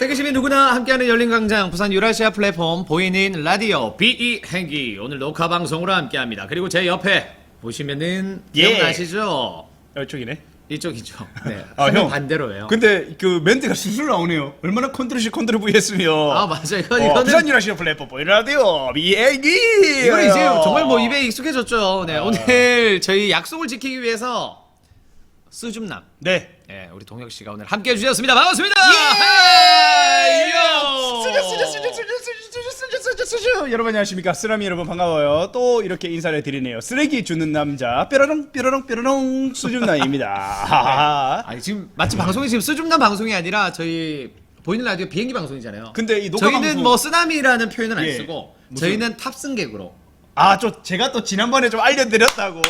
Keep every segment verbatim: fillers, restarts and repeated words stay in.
세계 시민 누구나 함께하는 열린광장 부산 유라시아 플랫폼 보이는 라디오 비이 행기 오늘 녹화 방송으로 함께합니다. 그리고 제 옆에 보시면은 예. 기억나시죠? 이쪽이네. 이쪽이죠. 네. 아, 화면 형. 반대로예요. 근데 그 멘트가 술술 나오네요. 얼마나 컨트롤 C 컨트롤 V 했으며. 아 맞아요. 이건 어, 이거는 부산 유라시아 플랫폼 보이는 라디오 비행기. 이건 이제 정말 뭐 입에 익숙해졌죠. 네. 아. 오늘 저희 약속을 지키기 위해서 스줌남. 네. 네, 우리 동혁 씨가 오늘 함께 해주셨습니다. 반갑습니다. 예! 요! 수저 수저 수저 수저 수저 수저 수저 수저 여러분 안녕하십니까. 쓰라미 여러분 반가워요. 또 이렇게 인사를 드리네요. 쓰레기 주는 남자 뾰로롱 뾰로롱 뾰로롱 수준나입니다. 아니 지금 마치 방송이 지금 스줌남 방송이 아니라 저희 보이는 라디오 비행기 방송이잖아요. 근데 이 녹화 저희는 방송- 뭐 쓰나미라는 표현은 안 예. 쓰고 무슨- 저희는 탑승객으로. 아, 저 제가 또 지난번에 좀 알려드렸다고.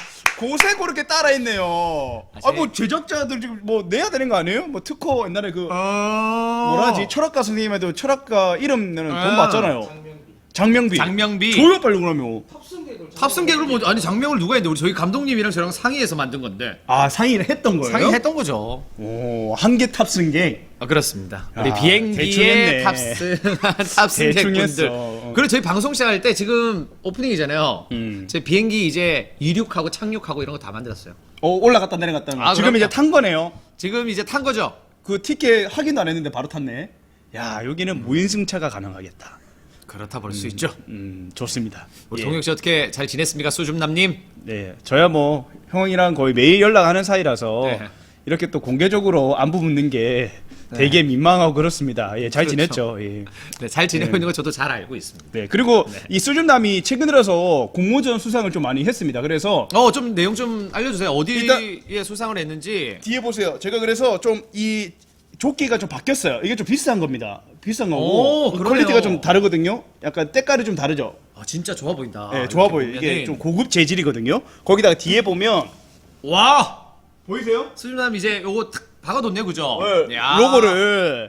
고생 그렇게 따라했네요. 아, 아, 제- 뭐 제작자들 지금 뭐 내야 되는 거 아니에요? 뭐 특허 옛날에 그 어... 뭐라지 철학가 선생님한테 철학가 이름 내는 돈 아. 받잖아요. 장명비. 장명비. 줘요 빨리 그러면. 탑승객으로 뭐 아니 장명을 누가 했는데 우리 저희 감독님이랑 저랑 상의해서 만든 건데 아 상의를 했던 거예요? 상의했던 거죠. 오, 한 개 탑승객. 아 그렇습니다. 우리 아, 대충 비행기에 했네. 탑승한 대충 탑승객분들. 했어. 어. 그리고 저희 방송 시작할 때 지금 오프닝이잖아요. 음. 저희 비행기 이제 이륙하고 착륙하고 이런 거 다 만들었어요. 어, 올라갔다 내려갔다. 아, 지금 그럼요. 이제 탄 거네요. 지금 이제 탄 거죠. 그 티켓 확인도 안 했는데 바로 탔네. 야, 여기는 무인승차가 가능하겠다. 그렇다 볼 수 있죠. 음, 좋습니다. 우리 예. 동혁 씨 어떻게 잘 지냈습니까, 수줍남님? 네, 저야 뭐 형이랑 거의 매일 연락하는 사이라서 네. 이렇게 또 공개적으로 안부 묻는 게 되게 민망하고 그렇습니다. 예, 잘 그렇죠. 지냈죠. 예. 네, 잘 지내고 있는 거 저도 잘 알고 있습니다. 네, 그리고 이 수준남이 최근 들어서 공모전 수상을 좀 많이 했습니다. 그래서 어, 좀 내용 좀 알려주세요. 어디에 일단- 수상을 했는지. 뒤에 보세요. 제가 그래서 좀 이 조끼가 좀 바뀌었어요. 이게 좀 비싼 겁니다. 비싼 오, 거고 그러네요. 퀄리티가 좀 다르거든요. 약간 때깔이 좀 다르죠. 아, 진짜 좋아 보인다. 네, 이렇게 좋아 보여요. 이게 보면은. 좀 고급 재질이거든요. 거기다가 뒤에 보면 와! 보이세요? 수줍남 이제 요거 탁 박아뒀네, 그죠? 네, 야. 로고를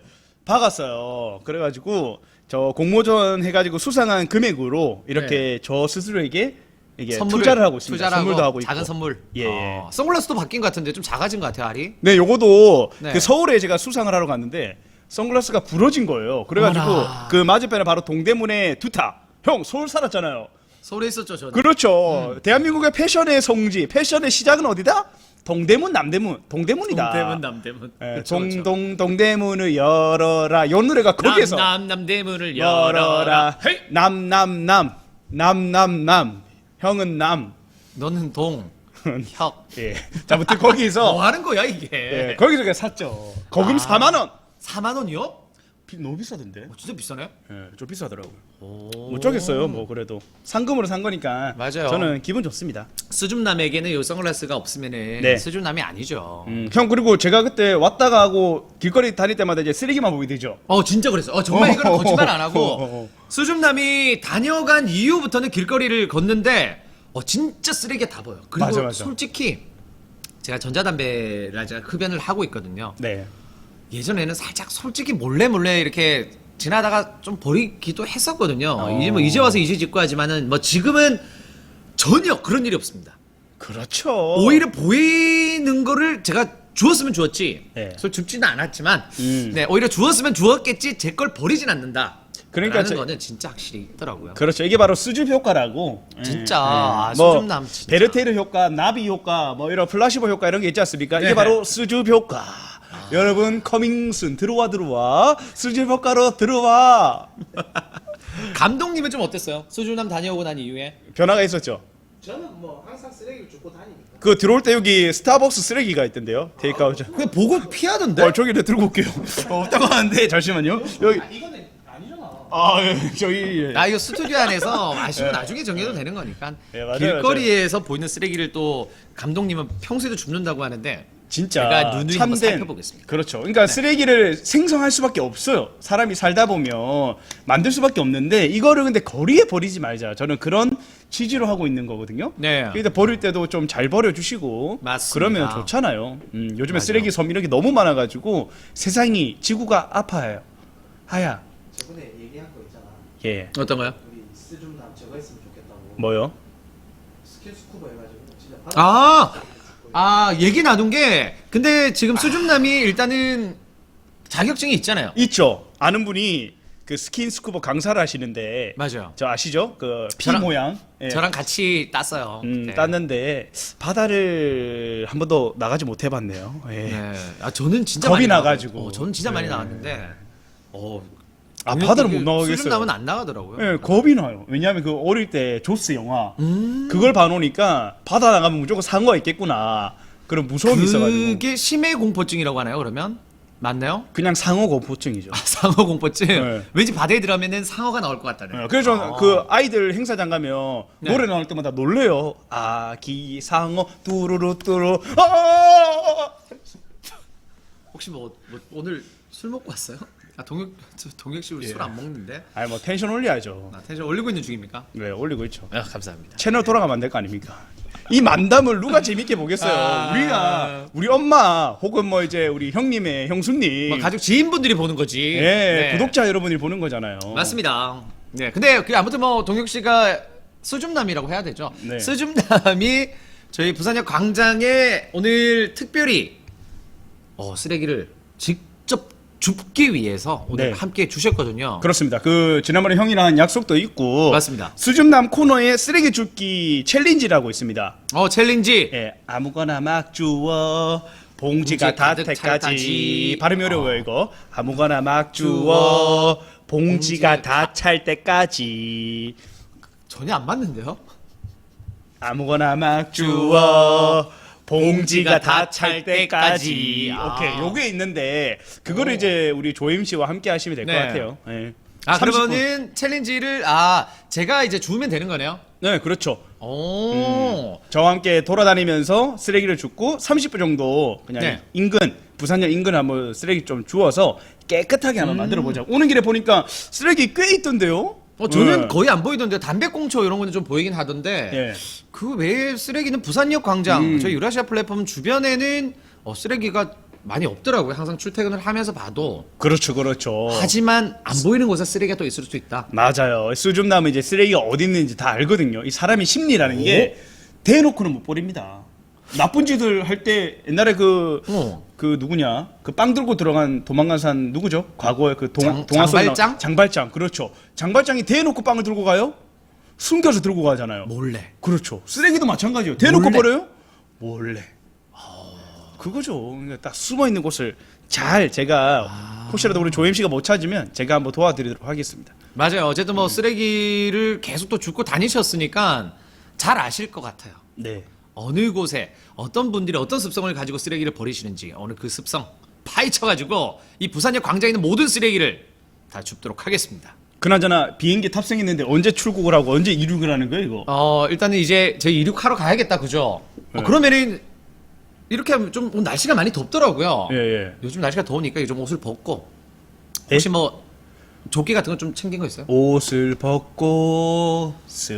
박았어요. 그래가지고 저 공모전 해가지고 수상한 금액으로 이렇게 저 스스로에게 이게 선물을- 투자를 하고 있습니다. 투자를 선물도 하고 있고. 작은 선물. 예, 예. 어, 선글라스도 바뀐 것 같은데 좀 작아진 것 같아요, 알이. 네, 요거도 네. 그 서울에 제가 수상을 하러 갔는데 선글라스가 부러진 거예요. 그래가지고 어머나. 그 맞은편에 바로 동대문에 두타. 형 서울 살았잖아요. 서울에 있었죠, 저는. 그렇죠. 대한민국의 패션의 성지, 패션의 시작은 어디다? 동대문, 남대문. 동대문이다. 동대문, 남대문. 예, 그렇죠, 그렇죠. 동동 동대문을 열어라. 요 노래가 거기에서 남, 남, 남대문을 열어라. 열어라. 헤이! 남, 남, 남. 남, 남, 남. 형은 남. 너는 동, 혁. 예. 자, 아무튼 거기서 뭐 하는 거야, 이게? 예, 거기서 그냥 샀죠. 거금 아. 사만 원. 사만 원이요? 비, 너무 비싸던데. 어, 진짜 비싸네? 예, 좀 비싸더라고요. 오. 못 쪼겠어요. 뭐 그래도 상금으로 산 거니까. 맞아요. 저는 기분 좋습니다. 수줍남에게는 요 선글라스가 없으면은 네. 수줍남이 아니죠. 음, 형 그리고 제가 그때 왔다가 하고 길거리 다닐 때마다 이제 쓰레기만 보게 되죠. 어 진짜 그랬어. 어 정말 이거는 어, 거짓말 안 어, 어, 하고 어. 수줍남이 다녀간 이후부터는 길거리를 걷는데 어 진짜 쓰레기가 다 보여. 그리고 맞아, 맞아. 솔직히 제가 전자담배를 제가 흡연을 하고 있거든요. 네. 예전에는 살짝 솔직히 몰래 몰래 이렇게 지나다가 좀 버리기도 했었거든요. 어. 이제 뭐 이제 와서 이제 짓고 하지만은 뭐 지금은 전혀 그런 일이 없습니다. 그렇죠. 오히려 보이는 거를 제가 주었으면 주었지. 네. 그래서 줍지는 않았지만, 음. 네 오히려 주었으면 주었겠지. 제 걸 버리진 않는다. 그러니까 라는 저- 거는 진짜 확실히 있더라고요. 그렇죠. 이게 바로 수줍 효과라고. 진짜 예, 아, 예. 뭐 수줍남 진짜. 베르테르 효과, 나비 효과, 뭐 이런 플라시보 효과 이런 게 있지 않습니까? 이게 네네. 바로 수줍 효과. 여러분 커밍순 들어와 들어와 수줍 효과로 들어와. 감독님은 좀 어땠어요? 수줍남 다녀오고 난 이후에? 변화가 있었죠. 저는 뭐 항상 쓰레기를 줍고 다니니까. 그 들어올 때 여기 스타벅스 쓰레기가 있던데요. 테이크아웃. 그냥 보고 피하던데? 어, 저기 내 들고 올게요. 어, 없다고 하는데 잠시만요. 여기 아, 이거는 아니잖아. 아, 예, 저기 예. 아 이거 스튜디오 안에서 아시고 나중에 정해도 되는 거니까. 네, 맞아요, 길거리에서 보이는 쓰레기를 또 감독님은 평소에도 줍는다고 하는데 진짜 제가 누누이 한번 참된- 살펴보겠습니다. 그렇죠. 그러니까 쓰레기를 생성할 수밖에 없어요. 사람이 살다 보면 만들 수밖에 없는데 이거를 근데 거리에 버리지 말자. 저는 그런 취지로 하고 있는 거거든요. 네. 그러니까 버릴 때도 좀 잘 버려주시고 맞습니다. 그러면 좋잖아요. 음, 요즘에 맞아요. 쓰레기 섬 이런 게 너무 많아가지고 세상이 지구가 아파요. 하야. 저번에 얘기한 거 있잖아. 예. 어떤 거요? 우리 스줌남 저거 했으면 좋겠다고. 뭐요? 스킨스쿠버 해가지고 진짜 아, 아 얘기 나눈 게 근데 지금 수줍남이 일단은 자격증이 있잖아요. 있죠. 아는 분이 그 스킨스쿠버 강사를 하시는데 맞아요. 저 아시죠? 그 피 저랑- 모양. 예. 저랑 같이 땄어요. 음, 네. 땄는데 바다를 한 번도 나가지 못해봤네요. 예. 네. 아 저는 진짜 겁이 많이 나가지고. 나가고, 어, 저는 진짜 많이 네. 나갔는데, 어, 아, 동력- 바다를 이게 못 나가겠어요. 수준 나면 안 나가더라고요. 예, 겁이 나요. 왜냐하면 그 어릴 때 조스 영화 음. 그걸 봐놓으니까 바다 나가면 무조건 상어가 있겠구나 그런 무서움이 있어가지고 그게 심해 공포증이라고 하나요? 그러면 맞나요? 그냥 상어 공포증이죠. 아, 상어 공포증. 네. 왠지 바다에 들어가면은 상어가 나올 것 같다네. 예, 그래서 저는 아. 그 아이들 행사장 가면 네. 노래 나올 때마다 놀래요. 아기 상어 뚜루루 뚜루. 아! 혹시 뭐, 뭐 오늘 술 먹고 왔어요? 아 동혁 저 동혁 씨 예. 술 안 먹는데? 아니 뭐 텐션 올려야죠. 아, 텐션 올리고 있는 중입니까? 네 올리고 있죠. 아 감사합니다. 채널 돌아가면 안 될 거 아닙니까? 이 만담을 누가 재밌게 보겠어요. 아. 우리가 우리 엄마 혹은 뭐 이제 우리 형님의 형수님, 뭐 가족 지인분들이 보는 거지. 예 네. 구독자 여러분이 보는 거잖아요. 맞습니다. 네, 근데 그 아무튼 뭐 동혁 씨가 스줌남이라고 해야 되죠. 네. 스줌남이 저희 부산역 광장에 오늘 특별히 어, 쓰레기를 직접 줍기 위해서 오늘 네. 함께 주셨거든요. 그렇습니다. 그 지난번에 형이랑 한 약속도 있고 맞습니다. 수줍남 코너에 쓰레기 줍기 챌린지라고 있습니다. 어 챌린지. 예, 아무거나 막 주워 봉지가 봉지 가득 다 찰 때까지. 때까지. 발음이 어려워요 어. 이거. 아무거나 막 주워. 주워 봉지가 봉지 다 찰 때까지. 전혀 안 맞는데요? 아무거나 막 주워 봉지가 다 찰 때까지. 아. 오케이, 요게 있는데 그거를 오. 이제 우리 조임 씨와 함께 하시면 될 것 네. 같아요. 예. 아 삼십 분. 그러면은 챌린지를 아 제가 이제 주면 되는 거네요. 네, 그렇죠. 오. 저와 함께 돌아다니면서 쓰레기를 줍고 삼십 분 정도 그냥 네. 인근 부산역 인근 한번 쓰레기 좀 주워서 깨끗하게 한번 음. 만들어 보자. 오는 길에 보니까 쓰레기 꽤 있던데요. 어 저는 네. 거의 안 보이던데 담배꽁초 이런 거는 좀 보이긴 하던데. 예. 그 외에 쓰레기는 부산역 광장, 음. 저희 유라시아 플랫폼 주변에는 어, 쓰레기가 많이 없더라고요. 항상 출퇴근을 하면서 봐도. 그렇죠, 그렇죠. 하지만 안 보이는 곳에 쓰레기가 또 있을 수 있다. 맞아요. 수줍 나면 이제 쓰레기가 어디 있는지 다 알거든요. 이 사람의 심리라는 게 대놓고는 못 버립니다. 나쁜 짓을 할 때 옛날에 그 어. 그 누구냐 그 빵 들고 들어간 도망간 산 누구죠? 과거에 그 동, 장- 동화 속에 나온- 장발장? 장발장 그렇죠. 장발장이 대놓고 빵을 들고 가요? 숨겨서 들고 가잖아요. 몰래. 그렇죠. 쓰레기도 마찬가지예요. 대놓고 몰래. 버려요? 몰래. 그거죠. 그러니까 딱 숨어 있는 곳을 잘 제가 아. 혹시라도 우리 조임 씨가 못 찾으면 제가 한번 도와드리도록 하겠습니다. 맞아요. 어쨌든 뭐 쓰레기를 계속 또 줍고 다니셨으니까 잘 아실 것 같아요. 네. 어느 곳에 어떤 분들이 어떤 습성을 가지고 쓰레기를 버리시는지 오늘 그 습성 파헤쳐가지고 이 부산역 광장에 있는 모든 쓰레기를 다 줍도록 하겠습니다. 그나저나 비행기 탑승했는데 언제 출국을 하고 언제 이륙을 하는 거예요, 이거? 어 일단은 이제 저희 이륙하러 가야겠다 그죠? 네. 어, 그러면은 이렇게 하면 좀 오늘 날씨가 많이 덥더라고요. 예, 예. 요즘 날씨가 더우니까 좀 옷을 벗고 네? 혹시 뭐 조끼 같은 거 좀 챙긴 거 있어요? 옷을 벗고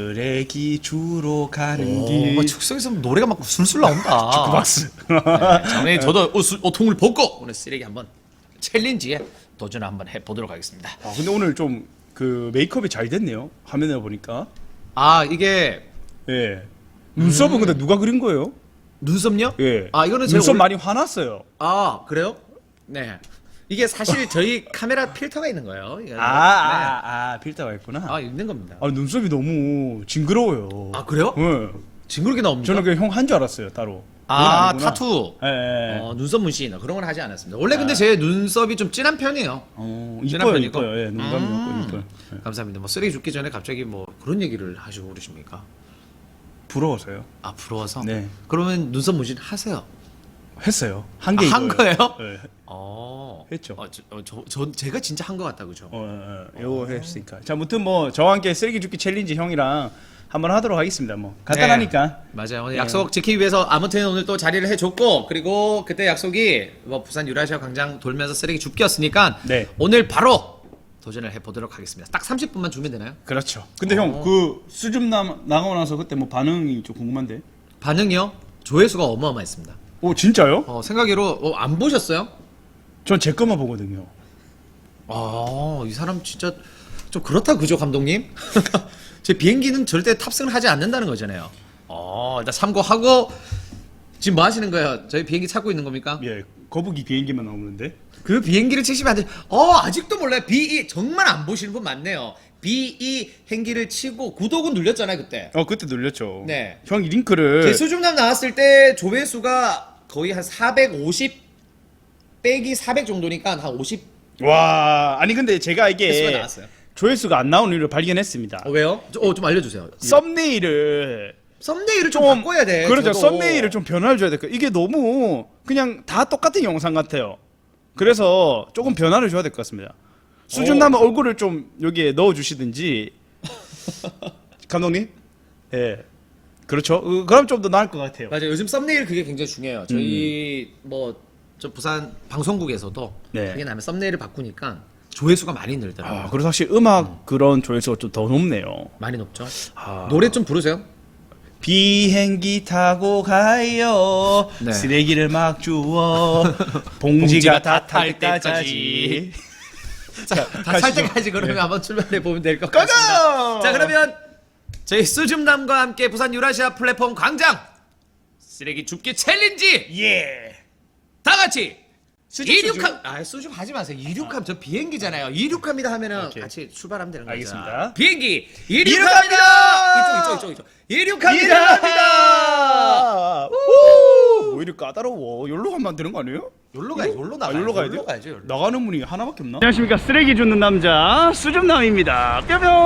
쓰레기 주러 가는 오, 길. 뭐 축성에서 노래가 막 술술 나온다. 주크박스. 네, 저도 옷, 옷통을 벗고 오늘 쓰레기 한번 챌린지에 도전을 한번 해보도록 하겠습니다. 아, 근데 오늘 좀 그 메이크업이 잘 됐네요. 화면에 보니까. 아 이게 예. 눈썹은 근데 누가 그린 거예요? 눈썹요? 예. 아 이거는 제가 눈썹 올- 많이 화났어요. 아 그래요? 네. 이게 사실 저희 카메라 필터가 있는 거예요. 이거는. 아, 아, 아, 필터가 있구나. 네. 아 있는 겁니다. 아, 눈썹이 너무 징그러워요. 아 그래요? 예. 징그럽게 나옵니까? 저는 그냥 형 한 줄 알았어요, 따로. 아 그건 아니구나. 타투. 예, 예. 어, 눈썹 문신 그런 건 하지 않았습니다. 원래 근데 제 눈썹이 좀 진한 편이에요. 어, 진한 이뻐요, 편이고. 이뻐요. 예, 눈감이 음. 없고 이뻐요. 예. 감사합니다. 뭐 쓰레기 줍기 전에 갑자기 뭐 그런 얘기를 하시고 그러십니까? 부러워서요. 아 부러워서? 네. 그러면 눈썹 문신 하세요. 했어요. 한 게 아, 한 이거예요. 거예요? 예. 어. 했죠. 어, 저, 어, 저, 저 제가 진짜 한 것 같다 그죠? 어, 어, 어, 요거 했으니까. 자, 아무튼 뭐 저와 함께 쓰레기 줍기 챌린지 형이랑 한번 하도록 하겠습니다. 뭐 간단하니까. 맞아요. 오늘 네. 약속 지키기 위해서 아무튼 오늘 또 자리를 해줬고 그리고 그때 약속이 뭐 부산 유라시아 광장 돌면서 쓰레기 줍기였으니까 네. 오늘 바로 도전을 해보도록 하겠습니다. 딱 삼십 분만 주면 되나요? 그렇죠. 근데 어. 형 그 수줍 나 나가고 나서 그때 뭐 반응이 좀 궁금한데. 반응이요? 조회수가 어마어마했습니다. 오 진짜요? 어, 생각으로 어, 안 보셨어요? 전 제 것만 보거든요. 아, 이 사람 진짜 좀 그렇다 그죠, 감독님? 제 비행기는 절대 탑승을 하지 않는다는 거잖아요. 어, 일단 참고하고 지금 뭐 하시는 거예요? 저희 비행기 찾고 있는 겁니까? 예, 거북이 비행기만 나오는데. 그 비행기를 치시면 안 돼. 어 아직도 몰라요. 비이 정말 안 보시는 분 많네요. 비이 행기를 치고 구독은 눌렸잖아요 그때. 어 그때 눌렸죠. 네. 형이 링크를. 제 수줍남 나왔을 때 조회수가 거의 한 사백오십 빼기 사백 정도니까 한 오십 와 아니 근데 제가 횟수가 이게 나왔어요. 조회수가 안 나오는 이유를 발견했습니다. 어, 왜요? 어, 좀 알려주세요. 썸네일을 썸네일을 좀, 좀 바꿔야 돼. 그렇죠. 저도. 썸네일을 좀 변화를 줘야 돼. 이게 너무 그냥 다 똑같은 영상 같아요. 그래서 조금 변화를 줘야 될 것 같습니다. 수준남은 얼굴을 좀 여기에 넣어 주시든지. 감독님? 예. 그렇죠. 어, 그럼 좀 더 나을 것 같아요. 맞아요. 요즘 썸네일 그게 굉장히 중요해요. 저희 뭐 저 부산 방송국에서도 네. 그게 나면 썸네일을 바꾸니까 조회수가 많이 늘더라고요. 아, 그래서 사실 음악 그런 조회수가 좀 더 높네요. 많이 높죠. 아. 노래 좀 부르세요. 비행기 타고 가요. 네. 쓰레기를 막 주워. 봉지가 다 탈 때까지. 자, 다 살 가시죠. 때까지 그러면 네. 한번 출발해 보면 될 것 가자! 같습니다. 자, 그러면 저희 수줍남과 함께 부산 유라시아 플랫폼 광장 쓰레기 줍기 챌린지 예. 다 같이 수줍, 이륙함 아 수줍 하지 마세요. 이륙함 저 비행기잖아요. 이륙합니다 하면은 오케이. 같이 출발하면 되는 거죠. 알겠습니다. 비행기 이륙합니다! 이륙합니다. 이쪽 이쪽 이쪽 이쪽 이륙합니다. 이륙합니다. 우! 뭐 이렇게 까다로워. 여기로 가면 안 되는 거 아니에요? 여기로 가요. 여기로 아, 나가. 여기로 가야 돼요? 가야죠. 여기로. 나가는 문이 하나밖에 없나? 안녕하십니까. 쓰레기 줍는 남자 수줍남입니다.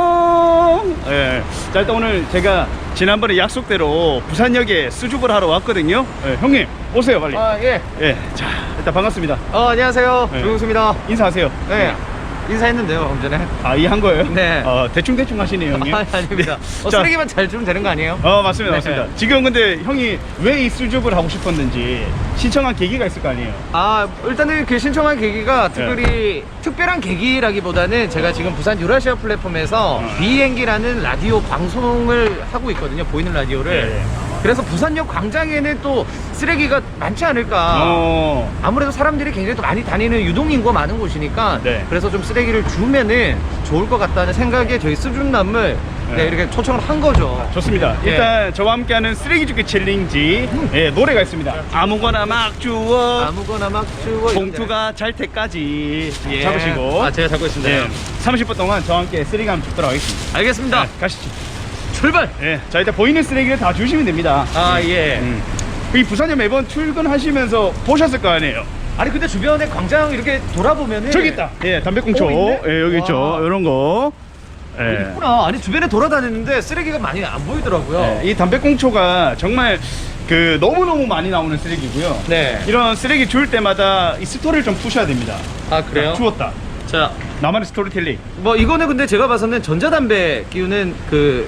뿅뿅. 예. 자 일단 오늘 제가 지난번에 약속대로 부산역에 수줍을 하러 왔거든요. 예, 형님 오세요 빨리. 아, 예. 예. 자 일단 반갑습니다. 어, 안녕하세요. 네. 조용수입니다. 인사하세요. 네. 인사했는데요, 좀 전에. 아, 이 한 거예요? 네. 어, 대충대충 하시네요, 형님. 아, 아닙니다. 어, 자. 쓰레기만 잘 주면 되는 거 아니에요? 어, 맞습니다, 네. 맞습니다. 지금 근데 형이 왜 이 수줍을 하고 싶었는지 신청한 계기가 있을 거 아니에요? 아, 일단은 그 신청한 계기가 특별히 특별한 계기라기보다는 제가 지금 부산 유라시아 플랫폼에서 어. 비행기라는 라디오 방송을 하고 있거든요, 보이는 라디오를. 네. 그래서 부산역 광장에는 또 쓰레기가 많지 않을까. 어. 아무래도 사람들이 굉장히 또 많이 다니는 유동인구가 많은 곳이니까 네. 그래서 좀 쓰레기를 주면은 좋을 것 같다는 생각에 저희 수준남을 네. 네, 이렇게 초청을 한 거죠. 좋습니다. 예. 일단 저와 함께하는 쓰레기 줍기 챌린지 예, 노래가 있습니다. 아무거나 막 주워 아무거나 막 주워 봉투가 잘 때까지 예. 잡으시고 아, 제가 잡고 있습니다. 예, 삼십 분 동안 저와 함께 쓰레기 한번 줍도록 하겠습니다. 알겠습니다. 네, 가시죠. 출발. 예, 자 일단 보이는 쓰레기를 다 주시면 됩니다. 아, 예. 음. 이 부산역 매번 출근하시면 보셨을 거 아니에요? 아니 근데 주변에 광장 이렇게 돌아보면은 저기 있다. 예, 담배꽁초. 어, 있네? 예, 여기 있죠. 와. 이런 거. 예. 있구나. 아니 주변에 돌아다니는데 쓰레기가 많이 안 보이더라고요. 예, 이 담배꽁초가 정말 그 너무너무 많이 나오는 쓰레기고요. 네. 이런 쓰레기 줄 때마다 이 스토리를 좀 푸셔야 됩니다. 아, 그래요? 주웠다. 자, 나만의 스토리텔링. 뭐 이거는 근데 제가 봐서는 전자담배 끼우는 그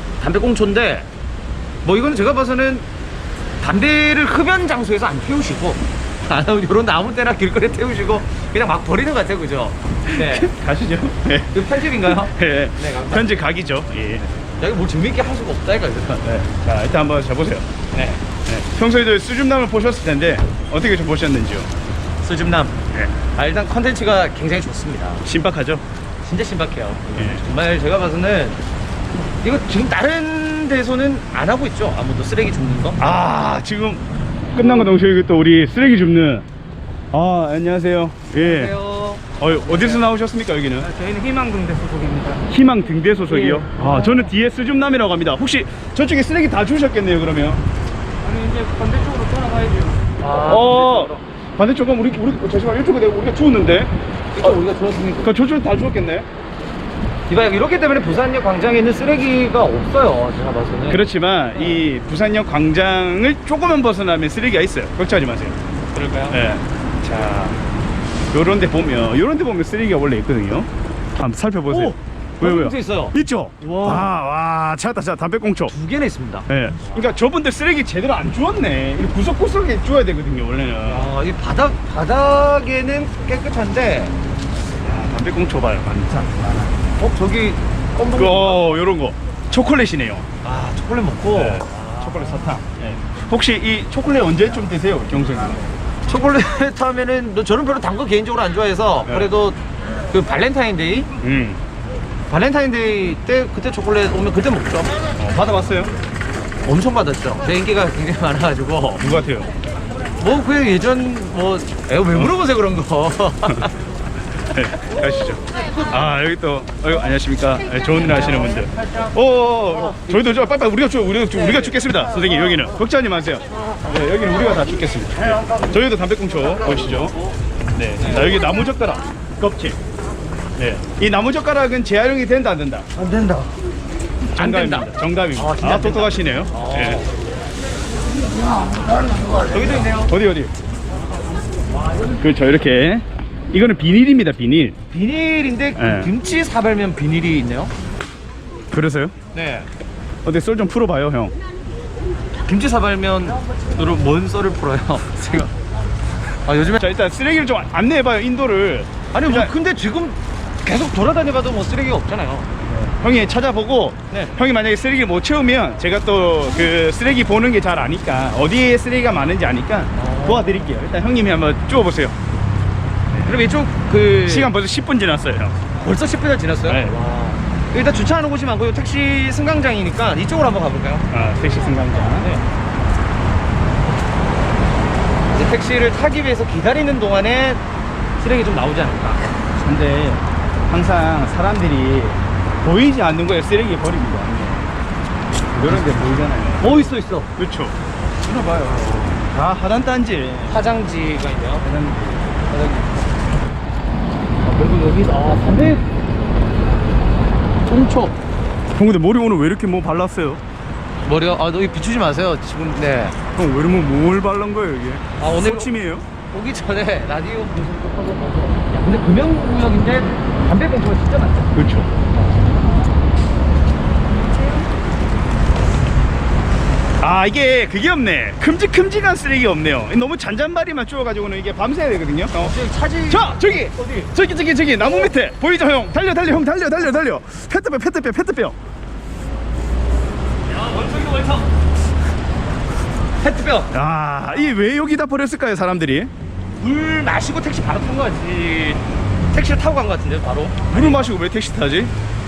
담배꽁초인데 뭐 이거는 제가 봐서는 담배를 흡연 장소에서 안 태우시고 아, 이런 아무 때나 길거리에 태우시고 그냥 막 버리는 것 같아요, 그죠? 네. 가시죠. 예. 그 편집인가요? 예. 네, 감사합니다. 현재 각이죠. 예. 여기 뭘 재밌게 할 수가 없다 이거. 네. 자, 일단 한번 잡으세요. 네. 네. 평소에도 수줍남을 보셨을 텐데 어떻게 좀 보셨는지요? 수줍남. 예. 아, 일단 컨텐츠가 굉장히 좋습니다. 신박하죠? 진짜 신박해요. 예. 정말 제가 봐서는 이거 지금 다른 데서는 안 하고 있죠? 아무도 쓰레기 줍는 거? 아, 지금 끝난 거 동시에 또 우리 쓰레기 줍는. 아, 안녕하세요. 예. 안녕하세요. 어, 어디서 나오셨습니까, 여기는? 저희는 희망동대 소속입니다. 희망 등대 소속이요? 예. 아, 저는 뒤에 수줍남이라고 합니다. 혹시 저쪽에 쓰레기 다 주셨겠네요, 그러면? 아니 이제 반대쪽으로 떠나가야죠. 아, 어, 반대쪽은 우리, 우리, 잠시만, 이쪽에 내가 우리가 주웠는데? 이거 우리가 들었으니까. 그 저쪽은 다 주웠겠네? 이봐, 이렇기 때문에 부산역 광장에 있는 쓰레기가 없어요, 제가 봐서는. 그렇지만, 이 부산역 광장을 조금만 벗어나면 쓰레기가 있어요. 걱정하지 마세요. 그럴까요? 예. 자, 요런 데 보면, 요런 데 보면 쓰레기가 원래 있거든요. 한번 살펴보세요. 오! 왜요, 왜요? 담배꽁초 있어요. 있죠? 와. 와, 와, 찾았다, 찾았다. 담배꽁초. 두 개나 있습니다. 예. 그러니까 저분들 쓰레기 제대로 안 주웠네. 이거 구석구석에 주워야 되거든요, 원래는. 아, 이 바닥, 바닥에는 깨끗한데, 야, 담배꽁초 봐요, 많다. 어, 저기, 껌동. 어, 요런 거. 초콜릿이네요. 아, 초콜릿 먹고. 네. 초콜릿 사탕. 예. 혹시 이 초콜릿 언제쯤 드세요, 경선이? 초콜릿 하면은, 너 저는 별로 단 거 개인적으로 안 좋아해서, 네. 그래도 그 발렌타인데이? 음. 발렌타인데이 때 그때 초콜릿 오면 그때 먹죠. 어, 받아봤어요? 엄청 받았죠. 제 인기가 굉장히 많아가지고 누구 같아요? 뭐 그냥 예전 뭐 에어 왜 물어보세요 그런 거. 네, 가시죠. 아 여기 또 어, 안녕하십니까. 네, 좋은 일 하시는 분들. 오, 어, 어, 저희도 저 빨리 우리가 죽 우리가 죽 우리가 죽겠습니다. 선생님 여기는 걱정하지 마세요. 네, 여기는 우리가 다 죽겠습니다. 네. 저희도 담배꽁초 보시죠. 네, 자 여기 나무 젓가락 껍질. 네, 이 나무 젓가락은 재활용이 된다 안 된다? 안 된다. 안 된다. 정답입니다. 정답입니다. 아, 진짜 아, 안 된다. 똑똑하시네요. 네. 여기도 있네요. 어디 어디? 그렇죠 이렇게. 이거는 비닐입니다 비닐. 비닐인데 네. 김치 사발면 비닐이 있네요. 그래서요? 네. 어디 썰 좀 풀어봐요 형. 김치 사발면으로 뭔 썰을 풀어요? 제가. 아 요즘에 자 일단 쓰레기를 좀 안내해봐요 인도를. 아니 뭐 일단 근데 지금 계속 돌아다녀봐도 뭐 쓰레기가 없잖아요. 형이 찾아보고 네. 형이 만약에 쓰레기를 못 채우면 제가 또 그 쓰레기 보는 게 잘 아니까 어디에 쓰레기가 많은지 아니까 도와드릴게요. 일단 형님이 한번 쪼어보세요. 그럼 이쪽 그 시간 벌써 십 분 지났어요 형. 벌써 십 분이나 지났어요? 네. 와. 일단 주차하는 곳이 많고요. 택시 승강장이니까 이쪽으로 한번 가볼까요? 아 택시 승강장. 네. 이제 택시를 타기 위해서 기다리는 동안에 쓰레기 좀 나오지 않을까. 근데 항상 사람들이 보이지 않는 거에 쓰레기 버립니다. 이런 데 보이잖아요. 어 있어 있어. 그렇죠. 들어봐요. 다 하단 단지. 화장지가 있네요. 하단 아, 그리고 여기 아 담배 통초. 형 근데 머리 오늘 왜 이렇게 뭐 발랐어요? 머리가 아 여기 비추지 마세요. 지금 네. 형 왜 이러면 뭘 발란 거예요 이게? 아 오늘 소침이에요? 오기 전에 라디오 무슨 거 하고 나서 야 근데 금연구역인데 담배 공초가 진짜 많다. 그렇죠. 아 이게 그게 없네. 큼직큼직한 쓰레기가 없네요. 너무 잔잔바리만 쪼어가지고는 이게 밤새야 되거든요. 어. 지금 차지 자 저기 어디? 저기 저기 저기 나무 밑에 보이죠 형? 달려 달려 형 달려 달려 달려. 페트병 페트병 페트병. 야 원석이 원석. 페트병. 아 이게 왜 여기다 버렸을까요 사람들이? 물 마시고 택시 바로 탄 거지. 택시를 타고 간 거 같은데 바로. 물을 마시고 왜 택시 타지?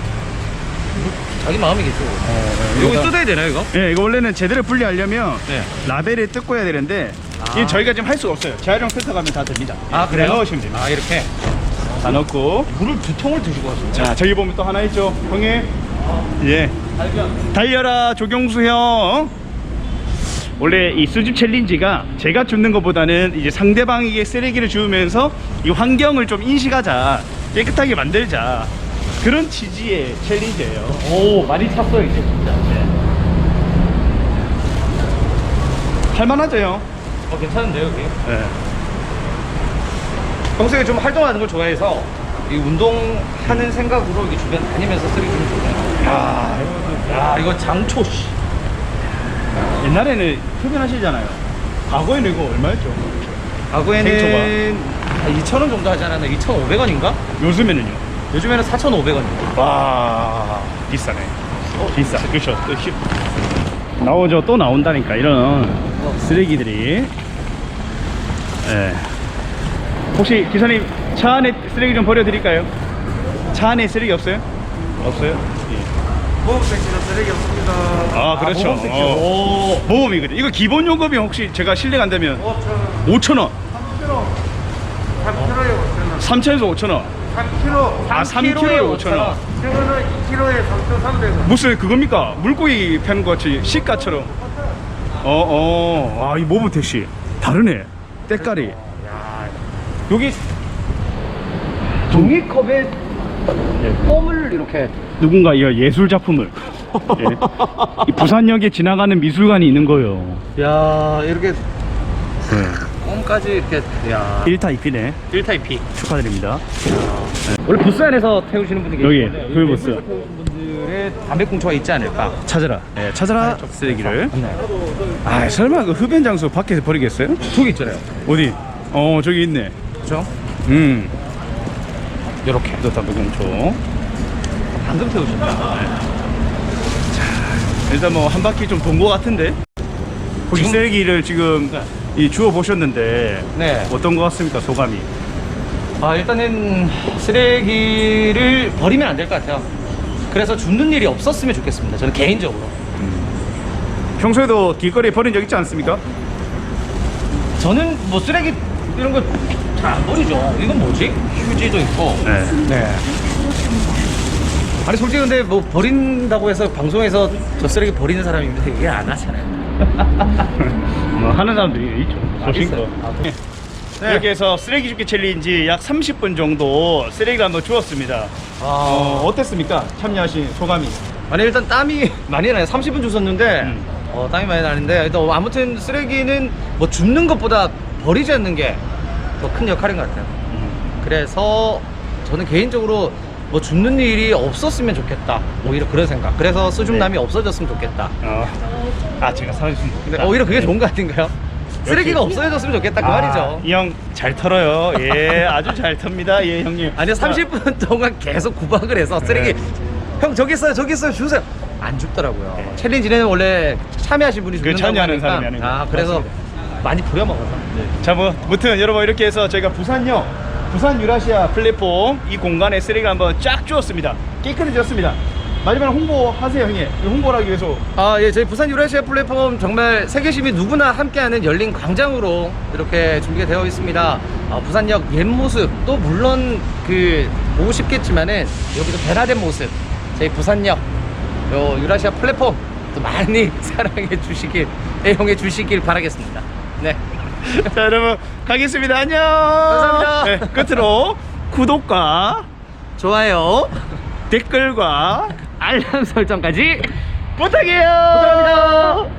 자기 마음이겠죠. 이거 뜯어야 되나요 이거? 예, 이거 원래는 제대로 분리하려면 네. 라벨을 뜯고 해야 되는데 아. 이게 저희가 지금 할 수가 없어요. 재활용 센터 가면 다 됩니다. 아 그래요? 다 넣으시면 됩니다. 아 이렇게 다 넣고 물을 두 통을 드시고 왔어요. 자 저기 보면 또 하나 있죠 형님. 예 발견. 달려라 조경수 형. 원래 이 수집 챌린지가 제가 줍는 것보다는 이제 상대방에게 쓰레기를 주우면서 이 환경을 좀 인식하자, 깨끗하게 만들자, 그런 취지의 챌린지예요. 오 많이 찼어요 이제 진짜. 네. 할만하죠 형? 어 괜찮은데요 여기? 네. 평소에 좀 활동하는 걸 좋아해서 이 운동하는 생각으로 이게 주변 다니면서 쓰레기 좀 좋아해요. 야, 야 이거 장초 씨. 옛날에는 흡연하시잖아요. 과거에는 이거 얼마였죠? 과거에는 이천 원 정도 하지 않았나? 이천오백 원인가? 요즘에는요? 요즘에는 사천오백 원입니다. 와 비싸네. 비싸. 그렇죠. 또 히... 나오죠. 또 나온다니까 이런 쓰레기들이. 예. 혹시 기사님 차 안에 쓰레기 좀 버려드릴까요? 차 안에 쓰레기 없어요? 없어요? 예. 보험 택시는 쓰레기 없습니다. 아 그렇죠. 모범 택시. 어. 모범이거든. 이거 기본 요금이 혹시 제가 실례가 안 되면 오천 원. 삼 킬로그램. 삼 킬로그램에 오천 원. 삼천에서 오천 원. 삼 킬로그램. 아 삼 킬로에 오천 원. 이거는 이 킬로그램에 삼천삼백 원. 무슨 그겁니까? 물고기 패는 것 같이 시가처럼. 어어. 아 이 모범 택시 다르네. 때깔이. 여기 종이컵에 껌을 이렇게. 누군가 이 예술 작품을. 예. 이 부산역에 지나가는 미술관이 있는 거예요. 야 이렇게 네. 껌까지 이렇게. 야 일 타 이 피네. 일 타입 P. 축하드립니다. 원래 부스 안에서 태우시는 분이 여기, 계시는데 그 부스. 태우시는 분들의 담배꽁초가 있지 않을까. 찾아라. 네, 찾아라 쓰레기를. 네. 아 설마 그 흡연 장소 밖에서 버리겠어요? 저기 있잖아요. 어디? 어 저기 있네. 그렇죠? 음. 이렇게 또 담배꽁초. 방금 태우셨다. 일단 뭐 한 바퀴 좀 돈 거 같은데. 혹시 지금- 쓰레기를 지금 네. 이 주워 보셨는데 네. 어떤 거 같습니까 소감이? 아 일단은 쓰레기를 버리면 안 될 것 같아요. 그래서 줍는 일이 없었으면 좋겠습니다. 저는 개인적으로. 평소에도 길거리에 버린 적 있지 않습니까? 저는 뭐 쓰레기 이런 거 잘 안 버리죠. 이건 뭐지? 휴지도 있고. 네. 네. 아니 솔직히 근데 뭐 버린다고 해서 방송에서 저 쓰레기 버리는 사람인데 이게 안 하잖아요. 뭐 하는 사람들이 있죠. 소신껏. 아, 네. 이렇게 해서 쓰레기 줍기 챌린지 약 삼십 분 정도 쓰레기를 한번 주웠습니다. 아, 어, 어땠습니까? 참여하신 소감이? 아니 일단 땀이 많이 나요. 삼십 분 주웠는데 음. 어, 땀이 많이 나는데 일단 아무튼 쓰레기는 뭐 줍는 것보다 버리지 않는 게 더 큰 역할인 것 같아요. 그래서 저는 개인적으로 뭐 줍는 일이 없었으면 좋겠다. 오히려 그런 생각. 그래서 수줍남이 네. 없어졌으면 좋겠다. 어. 아, 제가 사라졌으면 근데 좋겠다. 오히려 그게 좋은 거 아닌가요? 쓰레기가 없어졌으면 좋겠다 그 말이죠. 이 형 잘 털어요. 예, 아주 잘 텁니다. 예, 형님. 아니 삼십 분 동안 계속 구박을 해서 쓰레기 네. 형 저기 있어요 저기 있어요 주세요 안 줍더라고요. 네. 챌린지는 원래 참여하신 분이 그 줍는다고 참여하는 하니까. 사람이 하는 거. 아 그래서 맞습니다. 많이 부려먹어서. 자, 뭐, 무튼 여러분 이렇게 해서 저희가 부산역 부산 유라시아 플랫폼 이 공간에 쓰레기를 한번 쫙 주었습니다. 깨끗해졌습니다. 마지막으로 홍보하세요, 형님. 홍보를 하기 위해서. 아, 예, 저희 부산 유라시아 플랫폼 정말 세계 시민 누구나 함께하는 열린 광장으로 이렇게 준비가 되어 있습니다. 아, 부산역 옛 모습 또 물론 그 보고 싶겠지만은 여기서 변화된 모습 저희 부산역 요 유라시아 플랫폼 또 많이 사랑해 주시길 애용해 주시길 바라겠습니다. 네. 자, 여러분 가겠습니다. 안녕. 감사합니다. 네, 끝으로 구독과 좋아요, 댓글과 알람 설정까지 부탁해요. 부탁합니다.